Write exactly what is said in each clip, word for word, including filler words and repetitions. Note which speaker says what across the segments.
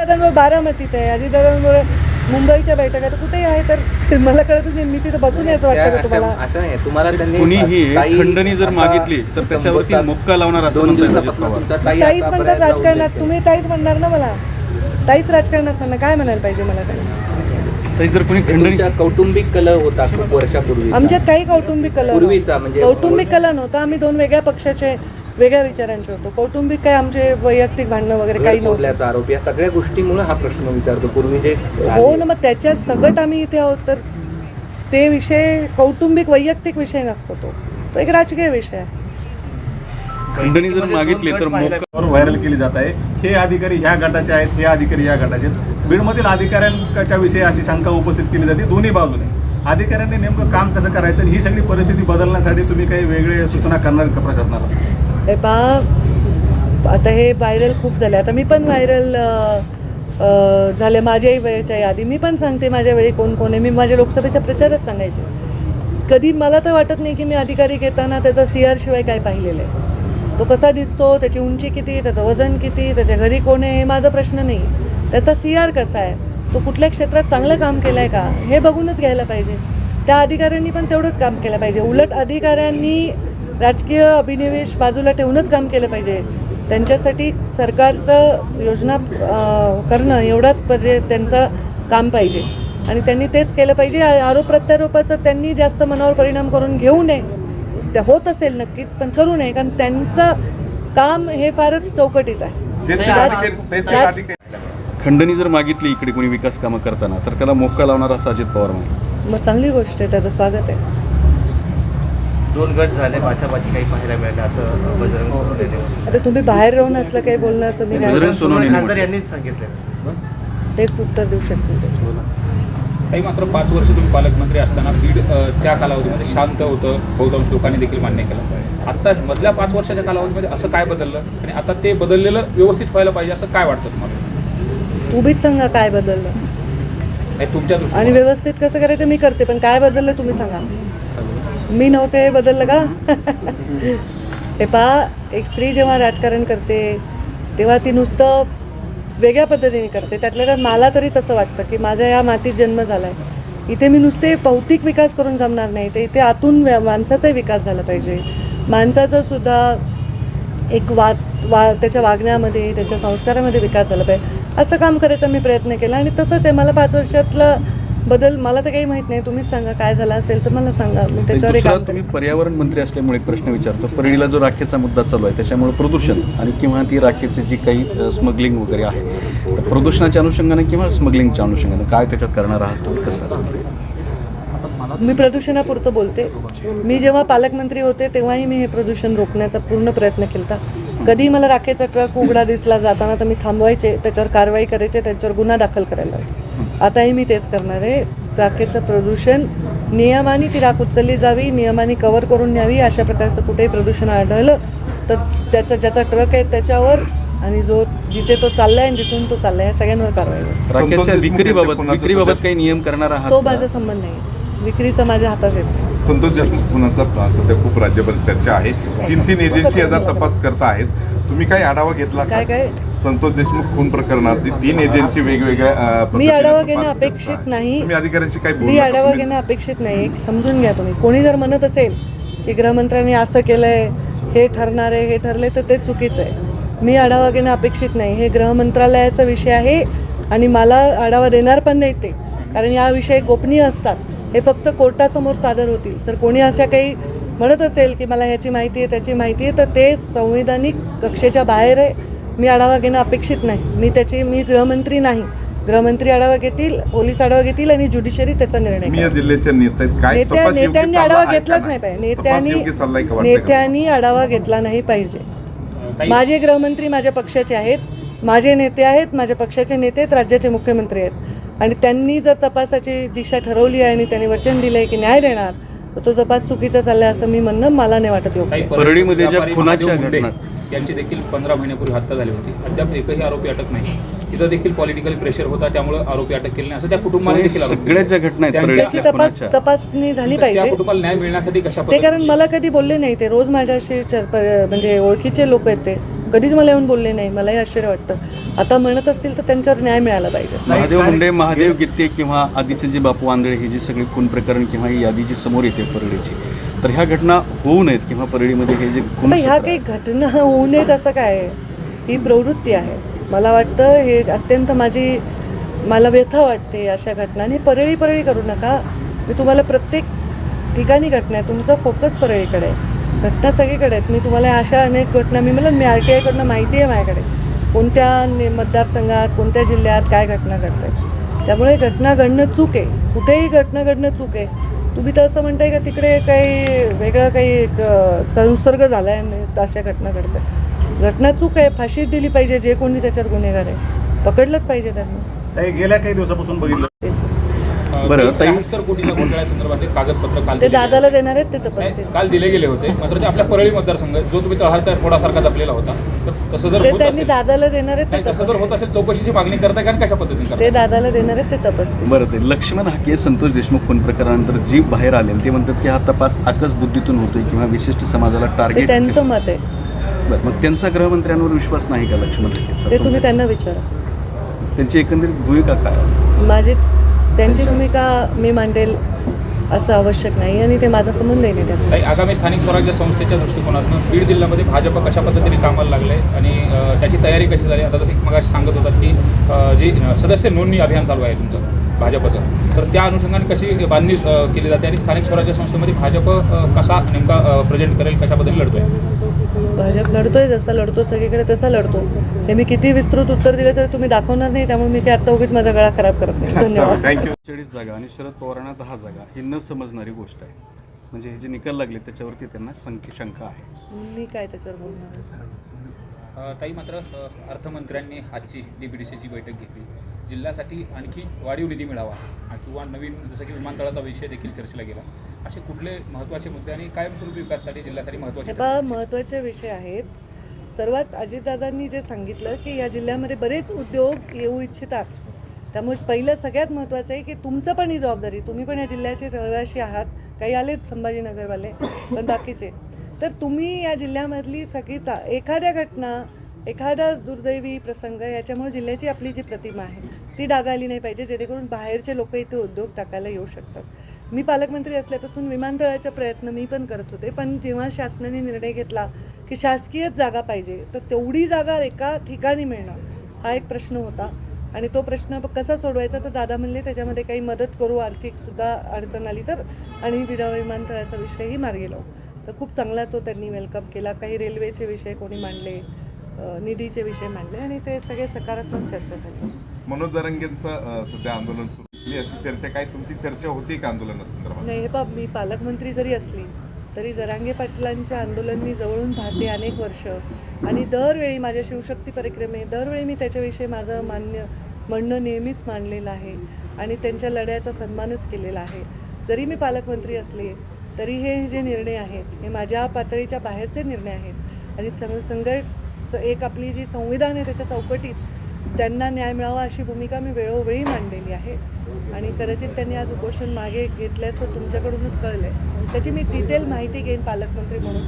Speaker 1: अजितदादांवर बारामतीत आहे, अजितदादांवर मुंबईच्या बैठका तर कुठेही आहे, तर मला कळतच नाही. मी तिथं बसून असं वाटतं का तुम्हाला?
Speaker 2: असं नाही, तुम्हाला त्यांनी
Speaker 3: कुणीही खंडणी जर मागितली तर त्याच्यावरती मुक्का लावणार असं म्हणतात.
Speaker 1: ताईच म्हणतात राजकारणात, तुम्ही ताईच म्हणणार ना मला, ताईच राजकारणात म्हणणार, काय म्हणायला पाहिजे मला? ताई
Speaker 3: जर कोणी खंडणी,
Speaker 2: कौटुंबिक कल होता खूप वर्षापूर्वी,
Speaker 1: आमच्यात काही कौटुंबिक कल
Speaker 2: पूर्वीचा म्हणजे
Speaker 1: कौटुंबिक कल नव्हता. आम्ही दोन वेगळ्या पक्षाचे वेगळ्या विचारांचे होतो. कौटुंबिक काय आमचे वैयक्तिक भांडणं वगैरे काही नव्हतं.
Speaker 2: आरोप या सगळ्या गोष्टीमुळे हा प्रश्न विचारतो. पूर्वी जे
Speaker 1: हो ना, मग त्याच्यात सगळं आम्ही इथे आहोत, तर ते विषय कौटुंबिक वैयक्तिक विषय नसतो, तो तो एक राजकीय विषय आहे.
Speaker 3: खंडणी जर मागितली तर
Speaker 4: मोक्यावर व्हायरल केली जात आहे. हे अधिकारी ह्या गटाचे आहेत, हे अधिकारी ह्या गटाचे आहेत. बीडमधील अधिकाऱ्यांच्या विषयी अशी शंका उपस्थित केली जाते दोन्ही बाजूने. अधिकाऱ्यांनी नेमकं काम कसं करायचं, ही सगळी परिस्थिती बदलण्यासाठी तुम्ही काही वेगळे सूचना करणार का प्रशासनाला?
Speaker 1: हे पहा, आता हे व्हायरल खूप झाले. आता मी पण व्हायरल झाले माझ्याही वेळेच्या यादी. मी पण सांगते माझ्या वेळी कोण कोण आहे. मी माझ्या लोकसभेच्या प्रचारात सांगायचे. कधी मला तर वाटत नाही की मी अधिकारी घेताना त्याचा सी आर शिवाय काय पाहिलेलं आहे. तो कसा दिसतो, त्याची उंची किती, त्याचं वजन किती, त्याच्या घरी कोण आहे, हे माझा प्रश्न नाही. त्याचा सी आर कसा आहे, तो कुठल्या क्षेत्रात चांगलं काम केलं आहे का, हे बघूनच घ्यायला पाहिजे. त्या अधिकाऱ्यांनी पण तेवढंच काम केलं पाहिजे. उलट अधिकाऱ्यांनी राजकीय अभिनिवेश बाजूला ठेवूनच काम केलं पाहिजे. त्यांच्यासाठी सरकारचं योजना करणं एवढाच पर्याय त्यांचं काम पाहिजे आणि त्यांनी तेच केलं पाहिजे. आरोप प्रत्यारोपाचं त्यांनी जास्त मनावर परिणाम करून घेऊ नये. ते होत असेल नक्कीच, पण करू नये, कारण त्यांचं काम हे फारच चौकटीत आहे.
Speaker 3: खंडणी जर मागितली इकडे कोणी विकास कामं करताना तर त्याला मोक्का लावणार असं अजित पवार म्हणाले.
Speaker 1: मग चांगली गोष्ट आहे, त्याचं स्वागत आहे.
Speaker 5: दोन गट झाले, बाचाबाची काही पाहायला मिळालं असं बजरंग सोनवणे.
Speaker 1: आता तुम्ही बाहेर राहून असलं काही बोलणार, तुम्ही
Speaker 3: बजरंग सोनवणे
Speaker 5: खासदार यांनीच सांगितलं,
Speaker 1: तेच उत्तर देऊ शकतो त्याच्यावर.
Speaker 6: काही मात्र पाच वर्ष तुम्ही पालकमंत्री असताना बीड त्या कालावधीमध्ये शांत होतं, बहुतांश लोकांनी देखील मान्य केलं. आता मधल्या पाच वर्षाच्या कालावधीमध्ये असं काय बदललं आणि आता ते बदललेलं व्यवस्थित व्हायला पाहिजे असं काय वाटतं तुम्हाला?
Speaker 1: तुम्हीच सांगा काय बदललं
Speaker 6: नाही तुमच्या
Speaker 1: आणि व्यवस्थित कसं करायचं मी करते, पण काय बदललं तुम्ही सांगा. मी नव्हते हे बदललं का? हे पहा, एक स्त्री जेव्हा राजकारण करते तेव्हा ती नुसतं वेगळ्या पद्धतीने करते. त्यातल्या त्यात मला तरी तसं वाटतं की माझ्या या मातीत जन्म झाला आहे. इथे मी नुसते भौतिक विकास करून जमणार नाही, तर इथे आतून माणसाचाही विकास झाला पाहिजे. माणसाचं सुद्धा एक वा वा त्याच्या वागण्यामध्ये, त्याच्या संस्कारामध्ये विकास झाला पाहिजे. असं काम करायचा मी प्रयत्न केला आणि तसंच आहे. मला पाच वर्षातला बदल मला तर काही माहीत नाही. तुम्हीच सांगा काय झाला असेल तर मला सांगा, मी त्याच्यावर एक काम.
Speaker 3: तुम्ही पर्यावरण मंत्री असल्यामुळे एक प्रश्न विचारतो. परळीला जो राखेचा मुद्दा चालू आहे त्याच्यामुळे प्रदूषण आणि किंवा ती राखेची जी काही स्मगलिंग वगैरे आहे, तर प्रदूषणाच्या अनुषंगाने किंवा स्मगलिंगच्या अनुषंगाने काय त्याच्यात करणार आहात तुम्ही, कसं असेल?
Speaker 1: मी प्रदूषणापुरतं बोलते. मी जेव्हा पालकमंत्री होते तेव्हाही मी हे प्रदूषण रोखण्याचा पूर्ण प्रयत्न केला. कधी मला राखेचा ट्रक उघडा दिसला जाताना तर मी थांबवायचे, त्याच्यावर कारवाई करायचे, त्याच्यावर गुन्हा दाखल करायला लावायचे. आताही मी तेच करणार आहे. राखेचं प्रदूषण नियमाने ती राख उचलली जावी, नियमाने कव्हर करून न्यावी. अशा प्रकारचं कुठेही प्रदूषण आढळलं तर त्याचा ज्याचा ट्रक आहे त्याच्यावर आणि जो जिथे तो चाललाय आणि जिथून तो चाललाय या सगळ्यांवर कारवाई होईल.
Speaker 3: राखेच्या विक्रीबाबत विक्रीबाबत काही नियम करणार आहात?
Speaker 1: तो माझा संबंध नाही, विक्रीचा माझ्या हातात येतो.
Speaker 7: संतोष देशमुखांचा सध्या खूप राज्यभर चर्चा आहे. तीन तीन एजन्सी याचा तपास करता आहेत. तुम्ही काही आढावा घेतला?
Speaker 1: काय काय
Speaker 7: संतोष देशमुख खून प्रकरणाची तीन एजन्सी वेगवेगळ्या
Speaker 1: मी आढावा घेणं अपेक्षित नाही.
Speaker 7: तुम्ही अधिकाऱ्यांशी काही
Speaker 1: मी आढावा घेणं अपेक्षित नाही. समजून घ्या तुम्ही. कोणी जर म्हणत असेल की गृहमंत्र्यांनी असं केलंय, हे ठरणार आहे, हे ठरले, तर ते चुकीचं आहे. मी आढावा घेणं अपेक्षित नाही. हे गृहमंत्रालयाचा विषय आहे आणि मला आढावा देणार पण नाही ते, कारण या विषय गोपनीय असतात. हे फक्त कोर्टासमोर सादर होतील. जर कोणी अशा काही म्हणत असेल की मला ह्याची माहिती आहे, त्याची माहिती आहे, तर ते संवैधानिक कक्षेच्या बाहेर आहे. मी आढावा घेणं अपेक्षित नाही. मी त्याची मी गृहमंत्री नाही. गृहमंत्री आढावा घेतील, पोलीस आढावा घेतील आणि ज्युडिशरी त्याचा निर्णय नेत्या नेत्यांनी आढावा घेतलाच नाही पाहिजे. नेत्यांनी नेत्यांनी आढावा घेतला नाही पाहिजे. माझे गृहमंत्री माझ्या पक्षाचे आहेत, माझे नेते आहेत, माझ्या पक्षाचे नेते आहेत, राज्याचे मुख्यमंत्री आहेत आणि त्यांनी जर तपासाची दिशा ठरवली आहे आणि त्यांनी वचन दिलं आहे की न्याय देणार, तर तो तपास चुकीचा चाललाय असं मी म्हणणं मला नाही वाटत योग्य.
Speaker 3: परळीमध्ये ज्या खुनाच्या घटना
Speaker 6: यांची देखील पंधरा महिन्यापूर्वी हत्या झाली होती. अद्याप एकही आरोपी अटक नाही. तिथं देखील पॉलिटिकल प्रेशर होता, त्यामुळे आरोपी अटक केली नाही असं त्या कुटुंबाने देखील
Speaker 3: सगळ्या ज्या घटना आहेत
Speaker 1: त्याची तपास तपासणी झाली पाहिजे.
Speaker 6: त्या कुटुंबाला न्याय मिळण्यासाठी कशा
Speaker 1: ते कारण मला कधी बोलले नाही. ते रोज माझ्याशी म्हणजे ओळखीचे लोक आहेत, ते कधीच मला येऊन बोलले नाही. मलाही आश्चर्य वाटतं. आता म्हणत असतील तर त्यांच्यावर न्याय मिळाला पाहिजे.
Speaker 3: महादेव मुंडे, महादेव गित्ते किंवा आधीचे जे बापू आंधळे ही जी सगळी खून प्रकरण किंवा ही यादी जी समोर येते परळीची, तर ह्या घटना होऊ नयेत किंवा परळीमध्ये हे जे खून
Speaker 1: पण ह्या काही घटना होऊ नयेत असं काय आहे? ही प्रवृत्ती आहे. मला वाटतं हे अत्यंत माझी मला व्यथा वाटते अशा घटनांनी. परळी परळी करू नका. मी तुम्हाला प्रत्येक ठिकाणी घटना आहे. तुमचा फोकस परळीकडे आहे. घटना सगळीकडे आहेत. मी तुम्हाला अशा अनेक घटना मी मला मी आर टी आयकडनं माहिती आहे माझ्याकडे कोणत्या ने मतदारसंघात कोणत्या जिल्ह्यात काय घटना घडत आहेत. त्यामुळे घटना घडणं चूक आहे. कुठेही घटना घडणं चूक आहे. तुम्ही तर असं म्हणताय का तिकडे काही वेगळं काही एक संसर्ग झाला आहे आणि अशा घटना घडतात. घटना चूक आहे. फाशी दिली पाहिजे. जे कोणी त्याच्यावर गुन्हेगार आहे पकडलंच पाहिजे त्यांना.
Speaker 4: ताई, गेल्या काही दिवसापासून बघितलं
Speaker 3: बरं, ताई-
Speaker 6: त्र्याहत्तर कोटीच्या घोटाळ्यासंदर्भातले कागदपत्र काल
Speaker 1: ते
Speaker 6: दिले
Speaker 1: दादाला
Speaker 6: गेले.
Speaker 1: देणार आहेत ते तपासतील.
Speaker 6: नाही, काल दिले गेले होते. मात्र ते आपल्या परळी मतदारसंघ जो तुम्ही तळहाचा फोडासारखा जपलेला होता, तर तसं जर
Speaker 1: ते
Speaker 6: होत
Speaker 1: त्यांनी
Speaker 6: असेल
Speaker 1: दादाला देणार आहेत
Speaker 6: नाही,
Speaker 1: ते
Speaker 6: तसं जर होत
Speaker 1: तपासतील.
Speaker 6: असेल चौकशीची मागणी करताय कारण कशा पद्धतीने
Speaker 1: ते
Speaker 6: करताय?
Speaker 1: दादाला देणार आहेत ते तपासतील.
Speaker 3: बरं, ते लक्ष्मण हाके संतोष देशमुख खून प्रकरणानंतर जी बाहेर आले ते म्हणतात की हा तपास आकस बुद्धीतून होतोय किंवा विशिष्ट समाजाला
Speaker 1: ते
Speaker 3: टार्गेट.
Speaker 1: त्यांचं मत आहे.
Speaker 3: बरं, मग त्यांचा गृहमंत्र्यांवर विश्वास नाही का लक्ष्मण हाकेचा?
Speaker 1: ते तुम्ही त्यांना विचारा.
Speaker 3: त्यांची एकंदरीत भूमिका काय?
Speaker 1: माझी त्यांची भूमिका मी मांडेल असं आवश्यक नाही आणि ते माझा संबंधही नाही त्यात.
Speaker 6: काही आगामी स्थानिक स्वराज्य संस्थेच्या दृष्टिकोनातून बीड जिल्ह्यामध्ये भाजप कशा पद्धतीने कामाला लागले आणि अ, त्याची तयारी कशी झाली? आता जसं मग सांगत होतात की अ, जी सदस्य नोंदणी अभियान चालू आहे तुमचं भाजपचं, तर त्या अनुषंगाने कशी बांधणी अ, केली जाते आणि स्थानिक स्वराज्य संस्थेमध्ये भाजप अ, कसा नेमका प्रेझेंट करेल, कशा पद्धतीने लढतोय?
Speaker 1: भाजप लढतोय जसा लढतो सगळीकडे तसा लढतो. हे मी किती विस्तृत उत्तर दिलं तर तुम्ही दाखवणार नाही. त्यामुळे मी काय आता उगीच माझा गळा खराब करत नाही. धन्यवाद.
Speaker 7: थँक्यू.
Speaker 3: चाळीस जागा आणि शरद पवारांना दहा जागा ही न समजणारी गोष्ट आहे. म्हणजे हे जे निकाल लागले त्याच्यावरती त्यांना संख्या शंका आहे.
Speaker 1: मी काय त्याच्यावर बोलणार आहे?
Speaker 6: अ, ताई, मात्र अ, अर्थमंत्र्यांनी आजची डी बी डी सीची बैठक घेतली. जिल्ह्यासाठी आणखी वाढीव निधी मिळावा आणि किंवा नवीन जसं की विमानतळाचा विषय देखील चर्चेला गेला. असे कुठले महत्त्वाचे मुद्दे आणि कायमस्वरूपी विकासासाठी जिल्ह्यासाठी
Speaker 1: हे
Speaker 6: महत्त्वाचे
Speaker 1: पहा महत्त्वाचे विषय आहेत. सर्वात अजितदादांनी जे सांगितलं की या जिल्ह्यामध्ये बरेच उद्योग येऊ इच्छितात. त्यामुळे पहिलं सगळ्यात महत्त्वाचं आहे की तुमचं पण ही जबाबदारी. तुम्ही पण या जिल्ह्याचे रहिवासी आहात. काही आलेत संभाजीनगरवाले पण बाकीचे. तर तुम्ही या जिल्ह्यामधली सगळी चा एखाद्या घटना एखादा दुर्दैवी प्रसंग याच्यामुळे जिल्ह्याची आपली जी प्रतिमा आहे ती डागाळली नाही पाहिजे, जेणेकरून बाहेरचे लोक इथे उद्योग टाकायला येऊ शकतात. मी पालकमंत्री असल्यापासून विमानतळाचा प्रयत्न मी पण करत होते. पण जेव्हा शासनाने निर्णय घेतला की शासकीयच जागा पाहिजे तर तेवढी जागा एका ठिकाणी मिळणं हा एक प्रश्न होता. आणि तो प्रश्न कसा सोडवायचा तर दादा म्हणले त्याच्यामध्ये काही मदत करू, आर्थिकसुद्धा अडचण आली तर, आणि विरा विमानतळाचा विषयही मार्गी लावू. तर खूप चांगला तो त्यांनी वेलकम केला. काही रेल्वेचे विषय कोणी मांडले, निधीचे विषय मांडले आणि ते सगळे सकारात्मक चर्चा झाली.
Speaker 7: मनोज जरांगेंचं अ, सध्या आंदोलन सुरू आहे. अशी चर्चा काय तुमची चर्चा होती का आंदोलनासंदर्भात?
Speaker 1: नाही, हे पा मी पालकमंत्री जरी असली तरी जरांगे पाटलांचे आंदोलन मी जवळून पाहते अनेक वर्ष. आणि दरवेळी माझ्या शिवशक्ती परिक्रमे दरवेळी मी त्याच्याविषयी माझं मान्य म्हणणं नेहमीच मांडलेलं आहे आणि त्यांच्या लढ्याचा सन्मानच केलेला आहे. जरी मी पालकमंत्री असले तरी हे जे निर्णय आहेत हे माझ्या पातळीच्या बाहेरचे निर्णय आहेत. आणि संघ संघ एक आपली जी संविधान आहे त्याच्या चौकटीत त्यांना न्याय मिळावा अशी भूमिका मी वेळोवेळी मांडलेली आहे. आणि कदाचित त्यांनी आज उपोषण मागे घेतल्याचं तुमच्याकडूनच कळलं आहे. त्याची मी डिटेल माहिती घेईन पालकमंत्री म्हणून.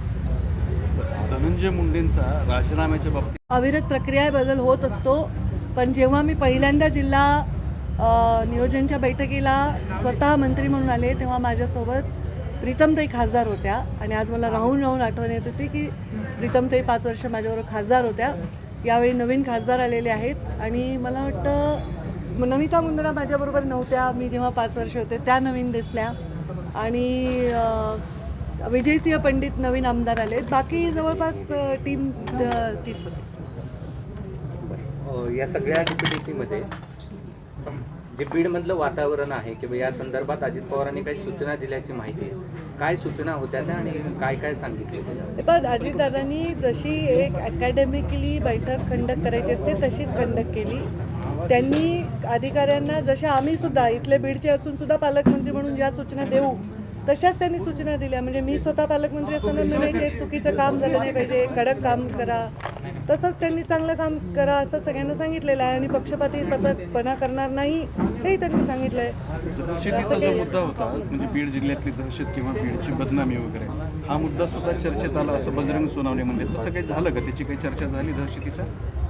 Speaker 3: धनंजय मुंडेंचा राजीनाम्याच्या बाबतीत
Speaker 1: अविरत प्रक्रिया बदल होत असतो. पण जेव्हा मी पहिल्यांदा जिल्हा अ, नियोजनच्या बैठकीला स्वतः मंत्री म्हणून आले तेव्हा माझ्यासोबत प्रीतमताई खासदार होत्या. आणि आज मला राहून राहून आठवण येत होती की प्रीतमताई पाच वर्ष माझ्याबरोबर खासदार होत्या. यावेळी नवीन खासदार आलेले आहेत आणि मला वाटतं नमिता मुंदडा माझ्याबरोबर नव्हत्या. मी जेव्हा पाच वर्ष होते त्या नवीन दिसल्या. आणि विजयसिंह पंडित नवीन आमदार आलेत. बाकी जवळपास टीम तीच होती.
Speaker 2: अ, या सगळ्या डी पी डी सीमध्ये जे बीडमधलं वातावरण आहे किंवा या संदर्भात अजित पवारांनी काही सूचना दिल्याची माहिती आहे. काय सूचना होत्या त्या आणि काय काय सांगितले?
Speaker 1: पण अजितदादांनी जशी एक अकॅडमिकली बैठक कंडक्ट करायची असते तशीच कंडक्ट केली. त्यांनी अधिकाऱ्यांना जशा आम्ही सुद्धा इथले बीडचे असून सुद्धा पालकमंत्री म्हणून ज्या सूचना देऊ तशाच त्यांनी सूचना दिल्या. म्हणजे मी स्वतः पालकमंत्री असताना म्हणायचे चुकीचं काम झालं नाही पाहिजे, कडक काम करा. तसंच त्यांनी चांगलं काम करा असं सगळ्यांना सांगितलेलं आहे. आणि पक्षपाती पथकपणा करणार नाही हेही त्यांनी सांगितलं आहे.
Speaker 3: दहशतीचा जो मुद्दा होता म्हणजे बीड जिल्ह्यातली दहशत किंवा बीडची बदनामी वगैरे हा मुद्दा सुद्धा चर्चेत आला असं बजरंग सोनावणे म्हणले. तसं काही झालं का? त्याची काही चर्चा झाली दहशतीचा?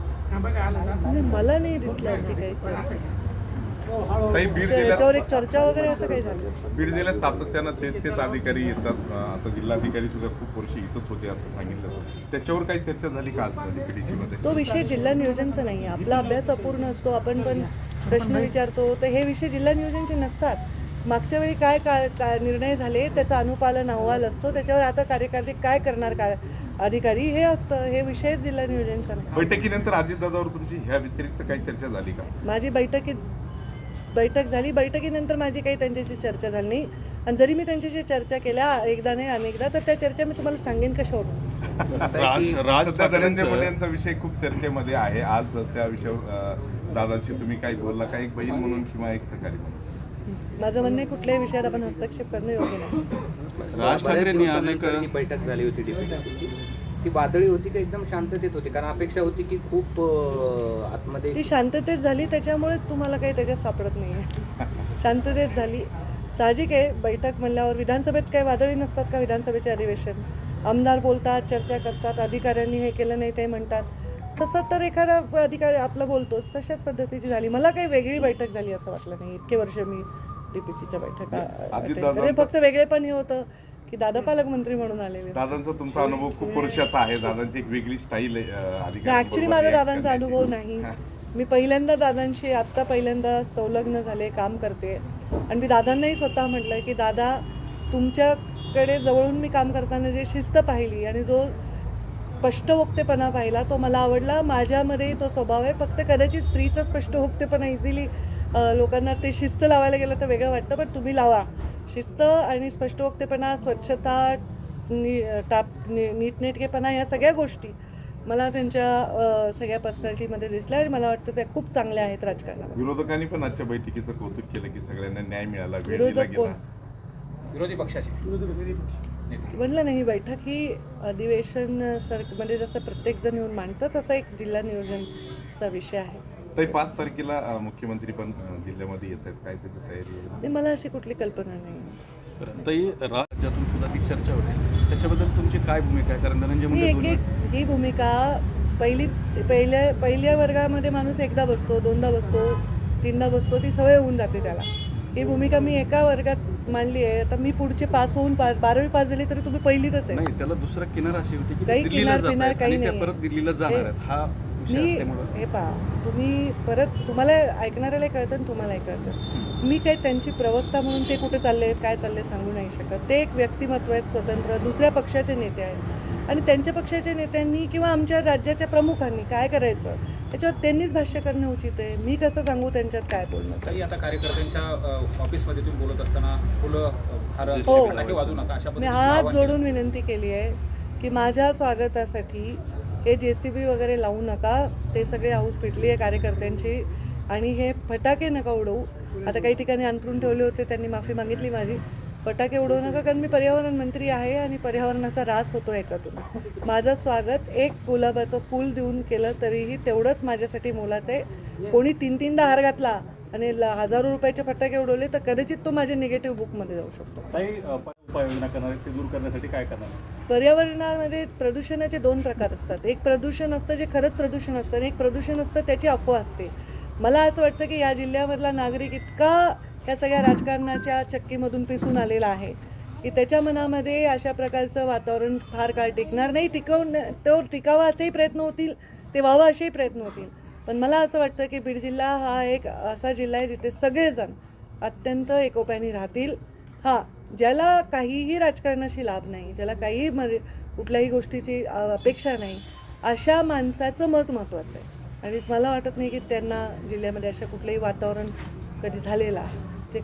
Speaker 1: नाही, मला नाही दिसलं अशी काही चर्चा.
Speaker 7: ताई बीड
Speaker 1: त्याच्यावर
Speaker 7: जिल्ह्यात
Speaker 1: एक चर्चा वगैरे असं काही झालं.
Speaker 7: बीड जिल्ह्यात सातत्यानं तेच तेच अधिकारी येतात. आता जिल्हाधिकारी सुद्धा खूप वर्षी इथंच होते असं सांगितलं होतं. त्याच्यावर काही चर्चा झाली का आज बीडीसीमध्ये?
Speaker 1: तो विषय जिल्हा नियोजनचा नाही आहे. आपला अभ्यास अपूर्ण असतो, आपण पण प्रश्न विचारतो, तर हे विषय जिल्हा नियोजनचे नसतात. मागच्या वेळी काय का काय निर्णय झाले त्याचा अनुपालन अहवाल असतो, त्याच्यावर आता कार्यकारी काय करणार काय अधिकारी हे असतं. हे विषय जिल्हा नियोजनचा नाही.
Speaker 7: बैठकीनंतर अजितदादावर तुमची ह्या व्यतिरिक्त काही चर्चा झाली का?
Speaker 1: माझी बैठकीत बैठक झाली, बैठकीनंतर माझी काही त्यांच्याशी चर्चा झाली नाही. आणि जरी मी त्यांच्याशी चर्चा केल्या एकदा नाही अनेकदा, तर त्या चर्चा मी तुम्हाला सांगेन कशावर.
Speaker 3: राज राज
Speaker 7: सध्या धनंजय मुंडे
Speaker 3: ठाकरेंचं
Speaker 7: यांचा विषय खूप चर्चेमध्ये आहे. आज त्या विषयावर अं, दादांशी तुम्ही काही बोलला का, एक बहीण म्हणून किंवा एक सहकारी म्हणून?
Speaker 1: माझं म्हणणं आहे कुठल्याही विषयात आपण हस्तक्षेप करणं योग्य नाही.
Speaker 3: राज ठाकरेंनी आज एक
Speaker 2: दिवसानंतर ही बैठक झाली होती डीपीडीसीची. ती वादळी होती का एकदम शांततेत होती? कारण अपेक्षा होती की खूप अं, आतमध्ये
Speaker 1: ती शांततेत झाली, त्याच्यामुळेच तुम्हाला काही त्याच्यात सापडत नाही आहे. शांततेत झाली, साहजिक आहे. बैठक म्हणल्यावर विधानसभेत काही वादळी नसतात का? विधानसभेचे अधिवेशन आमदार बोलतात, चर्चा करतात, अधिकाऱ्यांनी हे केलं नाही ते म्हणतात. तसं तर एखादा अधिकारी आपलं बोलतोच, तशाच पद्धतीची झाली. मला काही वेगळी बैठक झाली असं वाटलं नाही. इतके वर्ष मी डी पी सीच्या बैठका
Speaker 7: आधी
Speaker 1: attend
Speaker 7: दादा-
Speaker 1: केल्या. फक्त वेगळे पण हे होतं की दादा पालकमंत्री म्हणून आलेले.
Speaker 7: दादांचा तुमचा अनुभव खूप वर्षाचा आहे. दादांची एक वेगळी स्टाईल अधिकारी
Speaker 1: ॲक्च्युली माझा दादांचा अनुभव नाही. मी पहिल्यांदा दादांशी आत्ता पहिल्यांदा संलग्न झाले, काम करते. आणि मी दादांनाही स्वतः म्हटलं की दादा, तुमच्याकडे जवळून मी काम करताना जे शिस्त पाहिली आणि जो स्पष्टवक्तेपणा पाहिला तो मला आवडला. माझ्यामध्ये तो स्वभाव आहे. फक्त कदाचित स्त्रीचा स्पष्टवक्तेपणा इझिली लोकांना ते शिस्त लावायला गेलं तर वेगळं वाटतं, पण तुम्ही लावा. शिस्त आणि स्पष्टवक्तेपणा, स्वच्छता, नी टाप नी नीटनेटकेपणा, या सगळ्या गोष्टी मला त्यांच्या अ, सगळ्या पर्सनॅलिटीमध्ये दिसल्या आणि मला वाटतं त्या खूप चांगल्या आहेत राजकारणात.
Speaker 7: विरोधकांनी पण आजच्या बैठकीचं कौतुक केलं की सगळ्यांना न्याय मिळाला, वेळ दिला
Speaker 1: विरोधक कोण?
Speaker 7: गेला.
Speaker 6: विरोधी पक्षाचे
Speaker 1: म्हणलं नाही, बैठक ही अधिवेशन सर म्हणजे जसं प्रत्येकजण येऊन मांडतं तसं एक जिल्हा नियोजनचा विषय आहे.
Speaker 7: ताई पाच तारखेला अं, मुख्यमंत्री पण अं, जिल्ह्यामध्ये येत आहेत. काय त्याची तयारी आहे?
Speaker 1: नाही, मला अशी कुठली कल्पना नाही.
Speaker 3: ताई राज्यातून सुद्धा ती चर्चा होते, त्याच्याबद्दल तुमची काय भूमिका आहे? कारण धनंजय
Speaker 1: मी
Speaker 3: मुंडे
Speaker 1: एक
Speaker 3: दोन
Speaker 1: एक ही भूमिका पहिली पहिल्या पहिल्या वर्गामध्ये माणूस एकदा बसतो, दोनदा बसतो, तीनदा बसतो, ती सवय होऊन जाते त्याला. ही भूमिका मी एका वर्गात मांडली आहे. आता मी पुढचे पास होऊन पा बारावी पास झाली तरी तुम्ही पहिलीतच आहे.
Speaker 3: नाही, त्याला दुसरा किनार अशी होती की
Speaker 1: काही
Speaker 3: दिल्लीला
Speaker 1: किनार
Speaker 3: जात
Speaker 1: पिनार
Speaker 3: आहेत
Speaker 1: काही
Speaker 3: आणि त्या
Speaker 1: नाही.
Speaker 3: परत दिल्लीला जाणार आहेत. हा विषय
Speaker 1: मी
Speaker 3: असल्यामुळं
Speaker 1: हे पहा, तुम्ही परत तुम्हाला ऐकणाऱ्यालाही कळतं आणि तुम्हालाही कळतं. मी काही त्यांची प्रवक्ता म्हणून ते कुठे चालले आहेत, काय चालले सांगू नाही शकत. ते एक व्यक्तिमत्व आहेत स्वतंत्र, दुसऱ्या पक्षाचे नेते आहेत आणि त्यांच्या पक्षाच्या नेत्यांनी किंवा आमच्या राज्याच्या प्रमुखांनी काय करायचं त्याच्यावर त्यांनीच भाष्य करणं उचित आहे. मी कसं सांगू त्यांच्यात काय बोलणं.
Speaker 6: काही आता कार्यकर्त्यांच्या अ, ऑफिसमध्ये तुम्ही बोलत असताना फुलं अ, हार
Speaker 1: हो.
Speaker 6: फटाके वाजू नका अशा
Speaker 1: मी
Speaker 6: पद्धतीचं
Speaker 1: हात
Speaker 6: आवाहन केलं.
Speaker 1: जोडून विनंती केली आहे की माझ्या स्वागतासाठी हे जे सी बी वगैरे लावू नका. ते सगळे हाऊस पिटली आहे कार्यकर्त्यांची आणि हे फटाके नका उडवू. आता काही ठिकाणी अंतरून ठेवले होते, त्यांनी माफी मागितली माझी. फटाके उडवू नका, कारण मी पर्यावरण मंत्री आहे आणि पर्यावरणाचा ऱ्हास होतो ह्याच्यातून. माझं स्वागत एक गुलाबाचं फूल देऊन केलं तरीही तेवढंच माझ्यासाठी मोलाचं आहे. कोणी तीन तीनदा हार घातला आणि ल हजारो रुपयाचे फटाके उडवले तर कदाचित तो माझ्या निगेटिव्ह बुकमध्ये जाऊ शकतो.
Speaker 4: काही अ, उपाययोजना करणार आहेत, ते दूर करण्यासाठी काय करणार?
Speaker 1: पर्यावरणामध्ये प्रदूषणाचे दोन प्रकार असतात. एक प्रदूषण असतं जे खरंच प्रदूषण असतं आणि एक प्रदूषण असतं त्याची अफवा असते. मला असं वाटतं की या जिल्ह्यामधला नागरिक इतका या सगळ्या राजकारणाच्या चक्कीमधून पिसून आलेला आहे की त्याच्या मनामध्ये अशा प्रकारचं वातावरण फार काळ टिकणार नाही. टिकवून तो टिकावा असेही प्रयत्न होतील, ते व्हावं असेही प्रयत्न होतील. पण मला असं वाटतं की बीड जिल्हा हा एक असा जिल्हा आहे जिथे सगळेजण अत्यंत एकोप्याने राहतील. हां, ज्याला काहीही राजकारणाशी लाभ नाही, ज्याला काहीही मर कुठल्याही गोष्टीची अपेक्षा नाही, अशा माणसाचं मत महत्त्वाचं आहे. आणि मला वाटत नाही की त्यांना जिल्ह्यामध्ये अशा कुठलंही वातावरण कधी झालेलं आहे. ते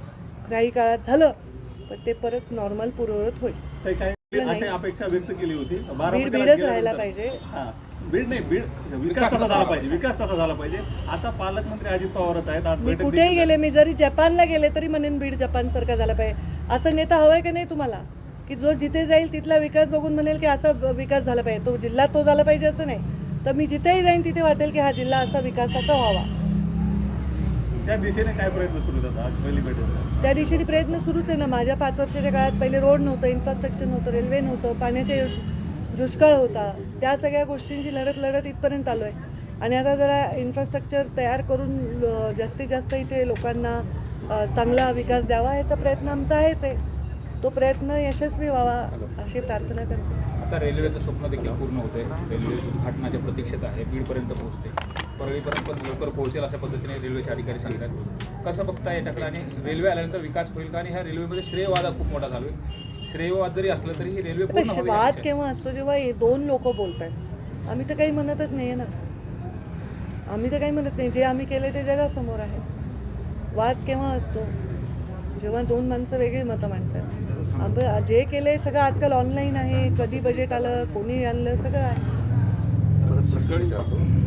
Speaker 1: काही काळात झालं पण ते परत नॉर्मल पूर्ववत होईल.
Speaker 4: काही काही
Speaker 1: नाही.
Speaker 4: अशी अपेक्षा व्यक्त केली होती.
Speaker 1: बीड
Speaker 4: बारामतीला
Speaker 1: बीडच
Speaker 4: गेल्यानंतर-
Speaker 1: राहायला पाहिजे.
Speaker 4: हां, बीड नाही, बीड विकास तसा झाला पाहिजे, विकास तसा झाला पाहिजे. आता पालकमंत्री अजित पवारच आहेत. आज
Speaker 1: मी
Speaker 4: बैठक
Speaker 1: कुठेही
Speaker 4: देखील-
Speaker 1: गेले, मी जरी जपानला गेले तरी म्हणेन बीड जपानसारखा झाला पाहिजे. असं नेता हवा आहे का नाही तुम्हाला की जो जिथे जाईल तिथला विकास बघून म्हणेल की असा विकास झाला पाहिजे, तो जिल्हा तो झाला पाहिजे असं नाही. तर मी जिथेही जाईन तिथे वाटेल की हा जिल्हा असा विकासाचा व्हावा.
Speaker 4: त्या दिशेने काय प्रयत्न सुरू होतात आज पहिली बैठक?
Speaker 1: त्या दिशेने प्रयत्न सुरूच आहे ना. माझ्या पाच वर्षाच्या काळात पहिले रोड नव्हतं, इन्फ्रास्ट्रक्चर नव्हतं, रेल्वे नव्हतं, पाण्याच्या युष दुष्काळ होता. त्या सगळ्या गोष्टींची लढत लढत इथपर्यंत आलो आहे. आणि आता जरा इन्फ्रास्ट्रक्चर तयार करून अ, जास्तीत जास्त इथे लोकांना अ, चांगला विकास द्यावा याचा प्रयत्न आमचा आहेच आहे. तो प्रयत्न यशस्वी व्हावा अशी प्रार्थना करते.
Speaker 6: आता रेल्वेचं स्वप्न देखील पूर्ण होते. रेल्वे उद्घाटनाच्या प्रतीक्षेत आहे, बीडपर्यंत पोहोचते, परळीपर्यंत पण लवकर पोहोचेल अशा पद्धतीने रेल्वेचे अधिकारी सांगतात. कसं बघता याच्याकडे आणि रेल्वे आल्यानंतर विकास होईल का? आणि ह्या रेल्वेमध्ये श्रेयवाद हा खूप मोठा चालू आहे. श्रेयवाद जरी असलं तरी ही रेल्वे पूर्ण
Speaker 1: आता
Speaker 6: हवी
Speaker 1: वाद
Speaker 6: आहे.
Speaker 1: केव्हा असतो? जेव्हा हे दोन लोक बोलत आहेत. आम्ही तर काही म्हणतच नाही आहे ना. आम्ही तर काही म्हणत नाही. जे आम्ही केले ते जगासमोर आहे. वाद केव्हा असतो? जेव्हा दोन माणसं वेगळी मतं मांडतात. आपण जे केलं सगळं आजकाल ऑनलाईन आहे. कधी बजेट आलं, कोणी आणलं, सगळं आहे.
Speaker 2: परत प्रश्न विचारतो.